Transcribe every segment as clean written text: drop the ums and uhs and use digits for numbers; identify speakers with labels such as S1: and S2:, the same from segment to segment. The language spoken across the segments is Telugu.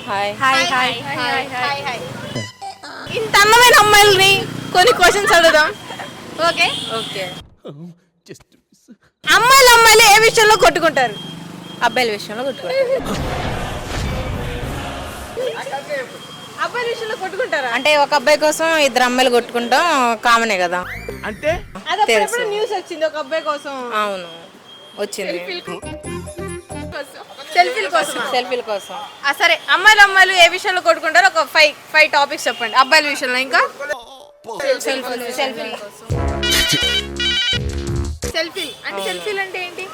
S1: Hi
S2: hi hi hi hi hi. ఇంత అందమైన అమ్మాయిల్ని కొన్ని క్వశ్చన్స్ అడుగుదాం. Okay
S1: okay.
S2: అమ్మాయిలు ఏ విషయంలో కొట్టుకుంటారు?
S1: అబ్బాయిల విషయంలో కొట్టుకుంటారు.
S2: అబ్బాయిల విషయంలో కొట్టుకుంటారా?
S1: అంటే ఒక అబ్బాయి కోసం ఇద్దరు అమ్మాయిలు కొట్టుకుంటాం కామనే కదా.
S3: అంటే
S2: తెలుసు. న్యూస్ వచ్చింది ఒక అబ్బాయి కోసం.
S1: అవును వచ్చింది.
S2: సెల్ఫీల కోసం. సరే అమ్మాయిలు ఏ విషయంలో కొట్టుకుంటారో ఒక ఫైవ్ టాపిక్స్ చెప్పండి. అబ్బాయిల విషయంలో ఇంకా సెల్ఫీ అంటే సెల్ఫీలు అంటే ఏంటి?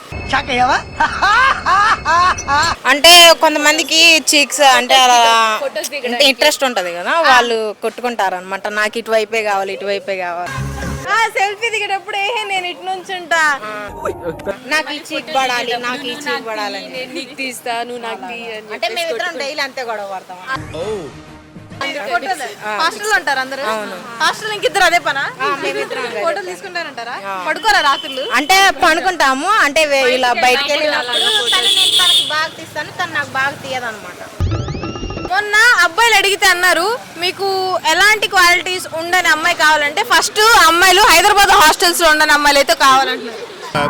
S1: అంటే కొంతమందికి చీక్స్ అంటే అలా ఇంట్రెస్ట్ ఉంటది కదా, వాళ్ళు కొట్టుకుంటారు అనమాట. నాకు ఇటువైపే కావాలి ఇటువైపే కావాలి.
S2: సెల్ఫీ దిగేటప్పుడు నేను ఇటు నుంచి ఉంటా,
S1: నాకు ఈ చీక్ పడాలి నాకు ఈ చీక్ పడాలి
S2: నీకు తీస్తా నువ్వు నాకు తీయని.
S1: అంటే మేమిద్దరం డైలీ అంతే గొడవ పడతాం.
S2: హాస్టల్ ఉంటారు అందరూ. హాస్టల్ ఇంకిద్దరు అదే పనా? ఫోటోలు తీసుకుంటారంటారా? పడుకోరా రాత్రులు?
S1: అంటే పనుకుంటాము. అంటే ఇలా బయటకు వెళ్ళినప్పుడు నేను తనకి బాగా తీస్తాను, తను నాకు బాగా తీయదన్నమాట.
S2: మొన్న అబ్బాయిలు అడిగితే అన్నారు మీకు ఎలాంటి క్వాలిటీస్ ఉండని అమ్మాయి కావాలంటే ఫస్ట్ అమ్మాయిలు హైదరాబాద్ హాస్టల్స్ లో ఉండని అమ్మాయిలు అయితే కావాలంటున్నారు.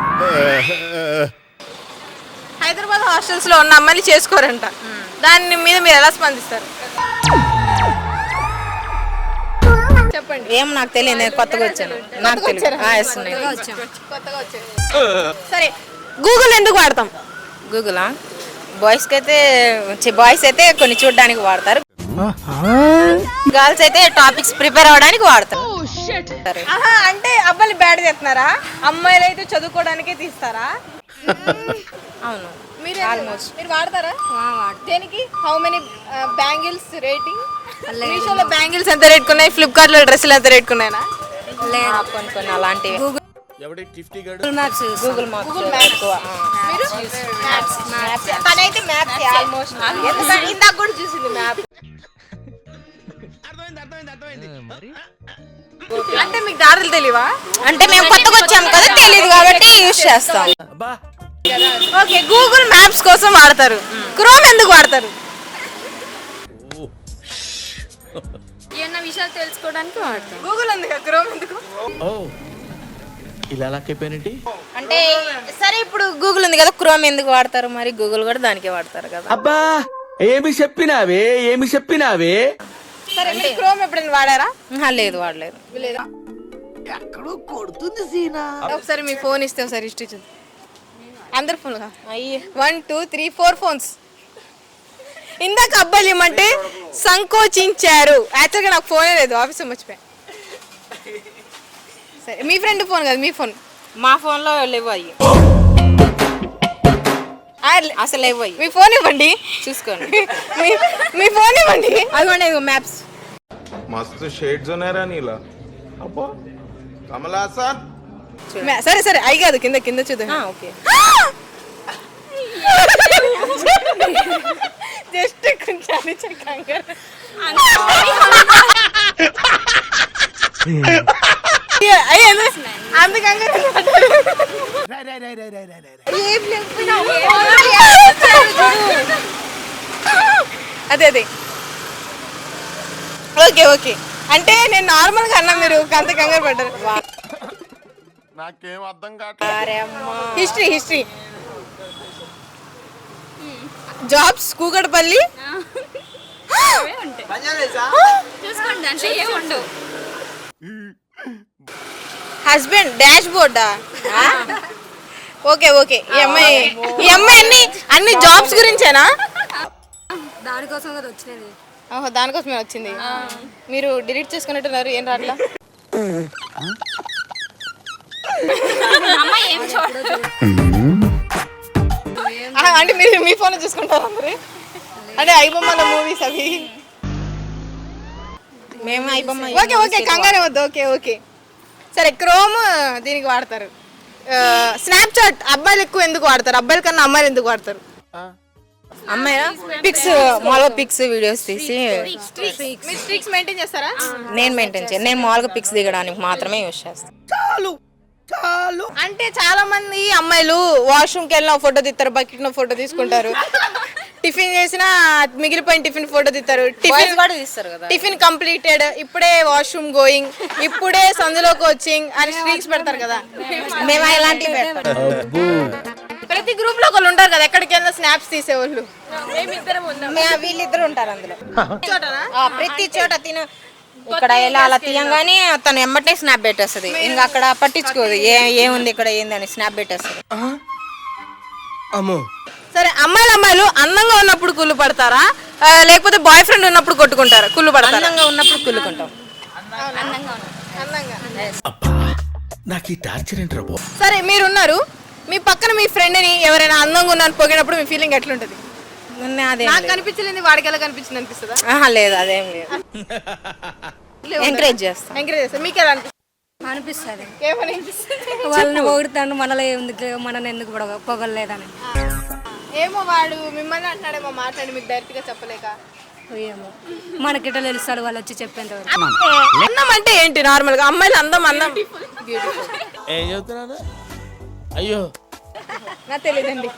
S2: హైదరాబాద్ హాస్టల్స్ లో ఉన్న అమ్మాయిలు చేసుకోరంట. దాని మీద మీరు ఎలా స్పందిస్తారు చెప్పండి.
S1: ఏం నాకు తెలియదు, నేను కొత్తగా వచ్చాను. నాకు తెలియదు.
S2: కొత్తగా వచ్చారు. సరే గూగుల్ ఎందుకు వాడతాం?
S1: గూగులా బాయ్స్ అయితే కొన్ని చూడడానికి వాడతారు, గర్ల్స్ అయితే టాపిక్స్ ప్రిపేర్ అవ్వడానికి వాడతారు.
S2: అంటే అబ్బాయిలు బ్యాడ్ చేస్తున్నారా? అమ్మాయిలు అయితే చదువుకోవడానికే తీస్తారా?
S1: అవును.
S2: మీరు వాడతారా? దేనికి? How many bangles rating? మీషోలో బ్యాంగిల్స్ ఎంత రేట్ ఉన్నాయి, ఫ్లిప్కార్ట్ లో డ్రెస్సులు ఎంత రేట్ ఉన్నాయా?
S1: కొన్ని కొన్ని అలాంటివి. గూగుల్ మ్యాప్స్ ఎక్కువ. తనైతే మ్యాప్స్ ఆల్మోస్ట్ ఇందాక కూడా చూసింది మ్యాప్.
S2: అంటే మీకు దారులు తెలియవా?
S1: అంటే మేము కొత్తగా వచ్చాము కదా, తెలియదు కాబట్టి యూజ్ చేస్తాం.
S2: ఓకే గూగుల్ మ్యాప్స్ కోసం వాడతారు. క్రోమ్ ఎందుకు వాడతారు?
S4: ఏమన్నా విషయాలు తెలుసుకోవడానికి వాడతాం.
S2: గూగుల్ ఎందుకు, క్రోమ్ ఎందుకు?
S3: ఇలా లాక్కైపోయినట్టి.
S1: అంటే సరే ఇప్పుడు గూగుల్ ఉంది కదా, క్రోమ్ ఎందుకు వాడతారు? మరి గూగుల్ కూడా దానికే వాడతారు కదా.
S3: అబ్బా ఏమి చెప్పినావే.
S2: సరే మీరు క్రోమ్ ఎప్పుడైనా వాడారా?
S1: లేదు వాడలేదు.
S3: ఎక్కడో కొడుతుంది సీనా.
S2: ఒకసారి మీ ఫోన్ ఇస్తే ఒకసారి హిస్టరీ చూద్దాం. అందరు ఫోన్ 1 2 3 4 ఫోన్స్. ఇందాక అబ్బాయిలు ఏమంటే సంకోచించారు. యాక్చువల్గా నాకు ఫోనే లేదు, ఆఫీస్లో మర్చిపోయా. సరే మీ ఫ్రెండ్ ఫోన్ కదా, మీ ఫోన్.
S1: మా ఫోన్ లో లేవు అయ్యి, అసలు లేవు అయ్యి.
S2: మీ ఫోన్ ఇవ్వండి
S1: చూసుకోండి.
S2: మీ ఫోన్ ఇవ్వండి. అదిగోండి మ్యాప్స్.
S5: मस्त शेड्स ఉన్నారా నీలా అబ్బా కమలాసన్.
S2: సరే సరే అయి కాదు, కింద కింద చూద్దాం.
S1: ఓకే
S2: జస్ట్ కొంచెం కంగారు. అంత కంగారు అదే అదే. ఓకే ఓకే అంటే నేను నార్మల్ గా అన్నా, మీరు అంత కంగారు పడ్డారు.
S5: నాకేం అర్థం కావట్లేదు.
S2: హిస్టరీ జాబ్స్ కూకట్పల్లి
S4: చూసుకోండి అంటే ఏం ఉండవు.
S2: హస్బెండ్ డాష్ బోర్డా? Okay okay. ఈ అమ్మాయి అన్ని జాబ్స్ గురించేనా?
S4: దానికోసం కదా వచ్చినది.
S2: ఓహో దానికోసమే వచ్చింది. మీరు డిలీట్ చేసుకున్నట్టున్నారు, ఏం రాట్లా? అంటే మీరు మీ ఫోన్ చూసుకుంటారా అందరు? అంటే ఐబొమ్మల మూవీస్ అవి.
S1: మేము ఐబొమ్మ.
S2: ఓకే ఓకే కంగారే వద్దు. ఓకే ఓకే సరే క్రోమ్ దీనికి వాడతారు. స్నాప్చాట్ అబ్బాయిలు ఎక్కువ ఎందుకు వాడతారు? అబ్బాయిల కన్నా అమ్మాయిలు ఎందుకు వాడతారు?
S1: అమ్మాయి పిక్స్ మామూలుగా పిక్స్ వీడియోస్ తీసి.
S2: మీరు స్ట్రిక్స్ మెయింటైన్ చేస్తారా?
S1: నేను మెయింటైన్ చేయను, నేను మామూలుగా పిక్స్ దిగడానికి మాత్రమే యూజ్ చేస్తాను.
S2: అంటే చాలా మంది అమ్మాయిలు వాష్రూమ్కి వెళ్ళిన ఫోటో తీస్తారు, బకెట్ ఫోటో తీసుకుంటారు. టిఫిన్ చేసినా మిగిలిపోయిన టిఫిన్ ఫోటో తీస్తారు.
S1: బాయ్స్ కూడా తీస్తారు కదా.
S2: టిఫిన్ కంప్లీటెడ్, ఇప్పుడే వాష్రూమ్ గోయింగ్, ఇప్పుడే సందులోకి వచ్చింగ్ అని స్ట్రీక్స్ పెడతారు కదా.
S1: మేము ఇలాంటివి పెట్టాం.
S2: ప్రతి గ్రూప్ లో ఒకళ్ళు ఉంటారు కదా, ఎక్కడికి వెళ్ళినా స్నాప్స్ తీసేవాళ్ళు.
S1: వీళ్ళిద్దరు ఉంటారు అందులో. ప్రతి చోట తిన ఇక్కడ ఎలా అలా తీయంగానే తను ఎమ్మటే స్నాప్ పెట్టేస్తుంది. ఇంకా అక్కడ పట్టించుకోదు ఏముంది ఇక్కడ ఏంది అని స్నాప్ పెట్టేస్తుంది.
S2: సరే, అమ్మాయిలు అందంగా ఉన్నప్పుడు కుళ్ళు పడతారా, లేకపోతే బాయ్ ఫ్రెండ్ ఉన్నప్పుడు కొట్టుకుంటారా? కుళ్ళు పడతారా?
S1: అందంగా ఉన్నప్పుడు కుళ్ళుకుంటాం.
S2: అందంగా.
S3: నాకు ఈ టార్చర్ ఏంట్రా బాబు.
S2: సరే, మీరున్నారు, మీ పక్కన మీ ఫ్రెండ్ ని ఎవరైనా అందంగా ఉన్నాను పొగినప్పుడు మీ ఫీలింగ్ ఎట్లుంటది?
S1: అదే
S2: నాకు కనిపించలేదు, వాడికి ఎలా కనిపించింది అనిపిస్తుందా?
S1: లేదు, అదేం లేదు. ఎంకరేజ్ చేస్తాం.
S2: ఎంకరేజ్ చేస్తా. మీకు ఎలా అనిపిస్తుంది?
S4: అనిపిస్తుంది
S2: ఏమని?
S4: వాళ్ళని పొగుడుతాడు, మనలో ఏముంది, మనల్ని ఎందుకు పొగలేదని.
S2: ఏమో వాడు మిమ్మల్ని అంటున్నాడేమో, మాట్లాడి మీకు డైరెక్ట్ గా చెప్పలేక.
S4: ఏమో మనకిట తెలుస్తాడు వాళ్ళు వచ్చి చెప్పేంత వరకు.
S2: అందం అంటే ఏంటి? నార్మల్ గా అమ్మాయిలు అందం
S3: ఏం చెబుతున్నాను? అయ్యో
S2: నాకు తెలియదండి.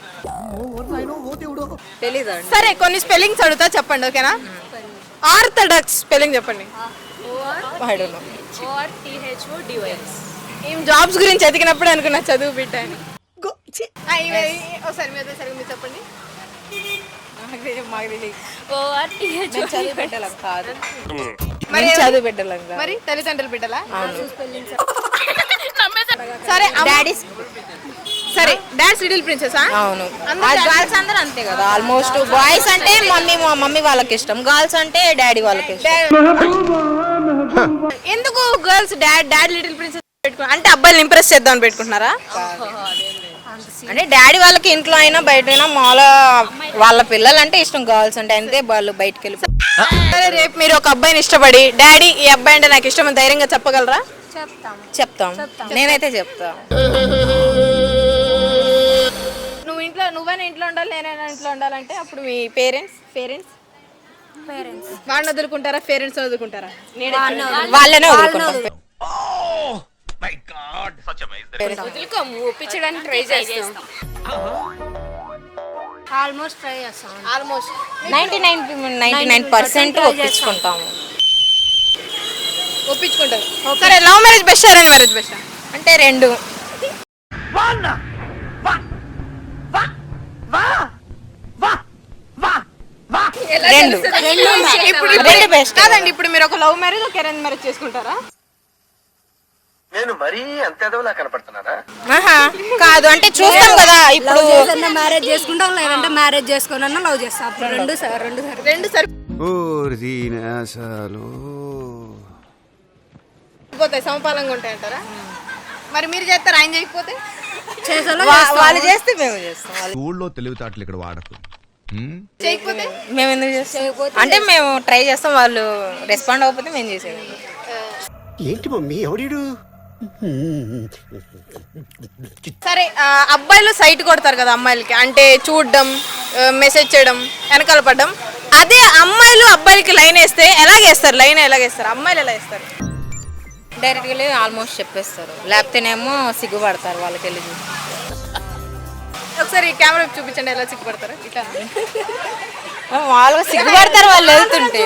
S1: తెలీదు.
S2: సరే, కొన్ని స్పెల్లింగ్స్ అడుగుతా, చెప్పండి, ఓకేనా? ఆర్థడాక్స్ స్పెల్లింగ్ చెప్పండి. ఏం జాబ్స్ గురించి ఎదిగినప్పుడు అనుకున్నా చదువు బిడ్డ అని. ఒకసారి మీరు చెప్పండి.
S1: చదువు పెట్టాలం కాదు.
S2: మరి తల్లిదండ్రులు బిడ్డలా?
S1: సరే,
S2: సరే, డాన్స్ లిటిల్ ప్రిన్సెస్.
S1: అవును, గర్ల్స్ అందరూ అంతే కదా. ఆల్మోస్ట్ బాయ్స్ అంటే మమ్మీ వాళ్ళకి ఇష్టం, గర్ల్స్ అంటే డాడీ వాళ్ళకి ఇష్టం.
S2: ఎందుకు గర్ల్స్ డాడ్ లిటిల్ ప్రిన్సెస్ పెట్టుకున్నారు? అంటే అబ్బాయిని ఇంప్రెస్ చేద్దాం అని పెట్టుకుంటున్నారా?
S1: అంటే డాడీ వాళ్ళకి ఇంట్లో అయినా బయట అయినా మామూలుగా వాళ్ళ పిల్లలు అంటే ఇష్టం, గర్ల్స్ అంటే అంతే వాళ్ళు బయటకు వెళ్ళి.
S2: సరే, రేపు మీరు ఒక అబ్బాయిని ఇష్టపడి డాడీ ఈ అబ్బాయి అంటే నాకు ఇష్టం అని ధైర్యంగా చెప్పగలరా?
S1: చెప్తాం. నేనైతే చెప్తా.
S2: నువ్వైనా ఇంట్లో ఉండాలి, నేనైనా ఇంట్లో ఉండాలంటే అప్పుడు మీ పేరెంట్స్ వాడిని వదులుకుంటారా, పేరెంట్స్ వదులుకుంటారా?
S1: వాళ్ళనే వదులుకుంటాం.
S4: ఒప్పించడానికి ట్రై చేస్తాం. ఆల్మోస్ట్ ట్రై చేస్తాం.
S1: 99% ఒప్పించుకుంటాము.
S2: ఒప్పించుకుంటారు. సరే, love marriage best, arrange marriage best?
S1: అంటే రెండు. రెండు బెస్ట్.
S2: కాదండి, ఇప్పుడు మీరు ఒక లవ్ మ్యారేజ్ ఒక అరేంజ్ మ్యారేజ్ చేసుకుంటారా?
S6: నేను మరీ అంత ఎదవలా కనపడుతున్నారా?
S1: కాదు, అంటే చూస్తాం కదా. ఇప్పుడు
S4: మ్యారేజ్ చేసుకుంటాం, లేదంటే మ్యారేజ్ చేసుకున్నా లవ్ చేస్తాం. అప్పుడు రెండు
S2: సరిపోతాయి, సమపాలంగా ఉంటాయి అంటారా? మరి మీరు చేస్తారు, ఆయన చేయకపోతే?
S1: వాళ్ళు చేస్తే మేము చేస్తాం.
S7: ఊళ్ళో తెలివితేటలు ఇక్కడ వాడకు.
S2: చేయకపోతే
S1: మేము ఎందుకు చేస్తాం? అంటే మేము ట్రై చేస్తాం, వాళ్ళు రెస్పాండ్ అవ్వకపోతే మేము చేసేది.
S6: ఏంటి మమ్మీ ఎవడీడు?
S2: సరే, అబ్బాయిలు సైట్ కొడతారు కదా అమ్మాయిలకి, అంటే చూడడం, మెసేజ్ చేయడం, వెనకాల పడడం. అదే అమ్మాయిలు అబ్బాయిలకి లైన్ వేస్తే ఎలాగేస్తారు? లైన్ ఎలాగేస్తారు? అమ్మాయిలు ఎలా వేస్తారు?
S1: డైరెక్ట్గా వెళ్ళి ఆల్మోస్ట్ చెప్పేస్తారు, లేకపోతేనేమో సిగ్గుపడతారు వాళ్ళకి వెళ్ళి చూసి.
S2: ఒకసారి కెమెరా చూపించండి, ఎలా సిగ్గుపడతారు? ఇట్లా
S1: వాళ్ళు సిగ్గుపడతారు వాళ్ళు వెళ్తుంటే.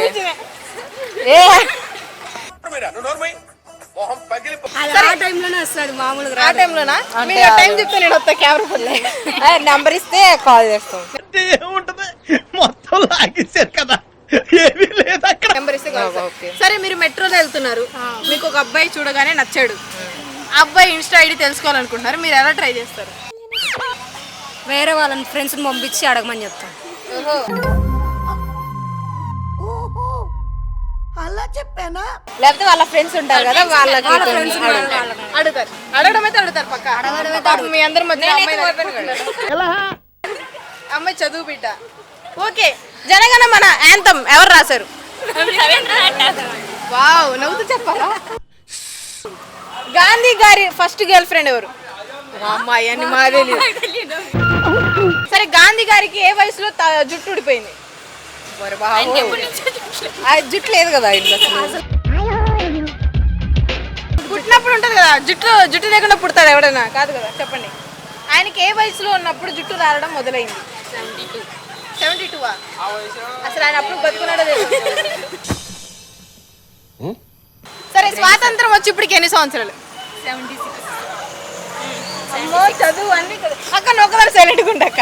S4: టైంలోనే వస్తాడు మామూలుగా.
S2: ఆ టైంలోనా? మీరు టైం చెప్తే నేను వస్తా కెమెరా.
S1: నెంబర్ ఇస్తే కాల్ చేస్తాం.
S3: మొత్తం లాగేశారు కదా, ఏమీ లేదు అక్కడ.
S2: నెంబర్ ఇస్తే కాల్ చేస్తాం. సరే, మీరు మెట్రోలో వెళ్తున్నారు, మీకు ఒక అబ్బాయి చూడగానే నచ్చాడు, అబ్బాయి ఇన్స్టా ఐడి తెలుసుకోవాలనుకుంటున్నారు, మీరు ఎలా ట్రై చేస్తారు?
S4: వేరే వాళ్ళని ఫ్రెండ్స్ని పంపించి అడగమని చెప్తాం.
S1: లేకపోతే వాళ్ళ ఫ్రెండ్స్ ఉంటారు కదా, వాళ్ళకి
S2: అడుగుతారు. అడగడం అయితే అడుగుతారు పక్క. మీ అందరి మధ్య అమ్మాయి చదువు బిడ్డ. ఓకే, జనగణ మన యాంథమ్ ఎవరు రాశారు? వావ్, నవ్వుతూ చెప్పాలా? గాంధీ గారి ఫస్ట్ గర్ల్ ఫ్రెండ్ ఎవరు? అమ్మాయి అని మా తెలియదు. సరే, గాంధీ గారికి ఏ వయసులో జుట్టు ఊడిపోయింది?
S1: జుట్టు లేదు కదా ఇంట్లో.
S2: పుట్టినప్పుడు ఉంటది కదా, జుట్టు లేకుండా పుడతాడు ఎవడైనా? కాదు కదా, చెప్పండి. ఆయనకి ఏ వయసులో ఉన్నప్పుడు జుట్టు రాలడం మొదలైంది? 72 అసలు ఆయన అప్పుడు బతుకున్నాడో తెలియదు. సరే స్వాతంత్రం వచ్చి ఇప్పటికి ఎన్ని సంవత్సరాలు?
S4: 76.
S2: అమ్మో చదువు అన్ని అక్క నొక్కదాన్ని సైలెంట్గా ఉండక్క.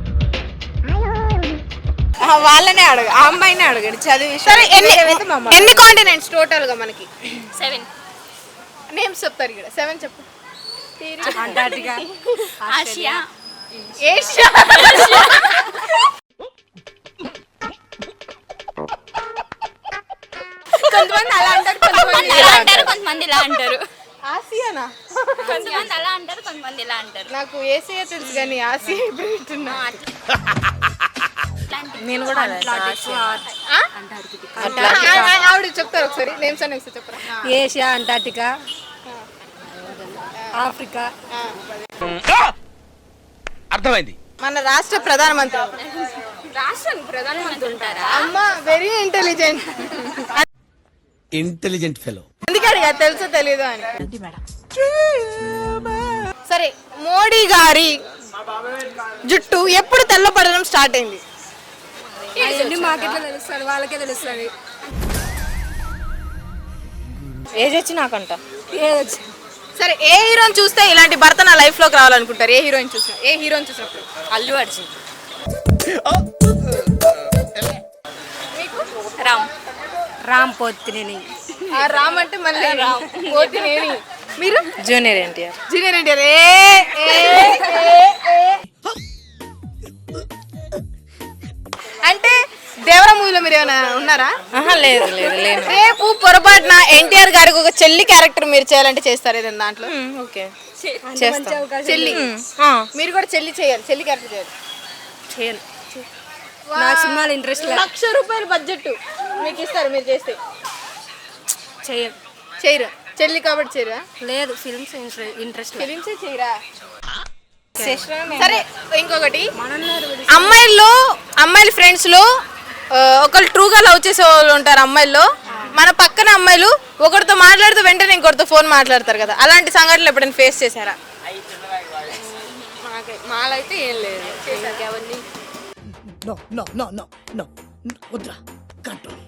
S1: వాళ్ళనే అడగ, ఆ అమ్మాయినే అడగండి చదివి.
S2: సరే ఎన్ని కాంటినెంట్స్ టోటల్ గా మనకి?
S4: 7.
S2: నేమ్స్ చెప్తారు ఇక్కడ. 7 చెప్పు.
S4: అంటార్టికా, ఆసియా,
S2: ఏషియా. కొంతమంది అలా అంటారు, కొంతమంది ఇలా అంటారు.
S4: కొంతమంది ఇలా అంటారు.
S2: ఆసియానా?
S4: కొంతమంది అలా అంటారు, కొంతమంది ఇలా అంటారు.
S2: నాకు ఏసియా తెలుసు కానీ ఆసియా ఇప్పుడు వింటున్నా.
S1: నేను కూడా
S2: ఆవిడ చెప్తారు ఒకసారి నేమ్స్ అని ఒకసారి చెప్పరా?
S4: Asia, Antarctica, Africa.
S3: అర్థమైంది.
S2: మన రాష్ట్ర ప్రధానమంత్రి.
S4: రాష్ట్రానికి ప్రధానమంత్రి ఉంటారా?
S2: అమ్మ వెరీ ఇంటెలిజెంట్.
S3: Intelligent fellow.
S2: అందుకే అడిగా తెలుసో తెలీదు అని. సరే మోడీ గారి జుట్టు ఎప్పుడు తెల్లపడడం స్టార్ట్ అయింది?
S4: అవన్నీ మాకెట్లా తెలుస్తుంది, వాళ్ళకే తెలుస్తుంది.
S1: ఏజ్ వచ్చి నాకంట.
S2: సరే ఏ హీరోని చూస్తే ఇలాంటి భర్త నా లైఫ్ లోకి రావాలనుకుంటారు? ఏ హీరోయిన్ చూసినా, ఏ హీరోని చూసినప్పుడు?
S4: అల్లు అర్జున్.
S2: మీకు
S4: రామ్ పోతినేని.
S2: ఆ రామ్ అంటే మళ్ళీ పోతినేని. మీరు?
S1: జూనియర్ ఎన్టీఆర్.
S2: జూనియర్ ఎన్టీఆర్. అంటే దేవరా మూవీలో మీరు ఏమైనా ఉన్నారా?
S1: లేదు లేదు లేదు.
S2: రేపు పొరపాటున ఎన్టీఆర్ గారికి ఒక చెల్లి క్యారెక్టర్ మీరు చేయాలంటే చేస్తారు ఏదైనా దాంట్లో?
S1: ఓకే
S4: మంచి అవకాశం.
S2: చెల్లి మీరు కూడా చెల్లి చేయాలి, చెల్లి క్యారెక్టర్ చేయాలి.
S4: చేయను. నాకు సినిమాలు ఇంట్రెస్ట్ లేదు.
S2: ₹1,00,000 బడ్జెట్ మీకు ఇస్తారు, మీరు చేస్తే
S4: చేయను.
S2: చేయరు. చెల్లి కాబట్టి చేయరా?
S4: లేదు, ఫిల్మ్స్ ఇంట్రెస్ట్ లేదు.
S2: ఫిలిమ్సే చేయరా? సరే ఇంకొకటి, అమ్మాయిల ఫ్రెండ్స్ లో ఒకళ్ళు ట్రూగా లవ్ చేసే వాళ్ళు ఉంటారు అమ్మాయిల్లో. మన పక్కన అమ్మాయిలు ఒకరితో మాట్లాడుతూ వెంటనే ఇంకొకరితో ఫోన్ మాట్లాడతారు కదా, అలాంటి సంఘటనలు ఎప్పుడైనా ఫేస్ చేశారా?
S4: మాలైతే ఏం లేదు.
S2: ఎవరిని?
S3: No no no no no వద్దురా కంట్రోల్.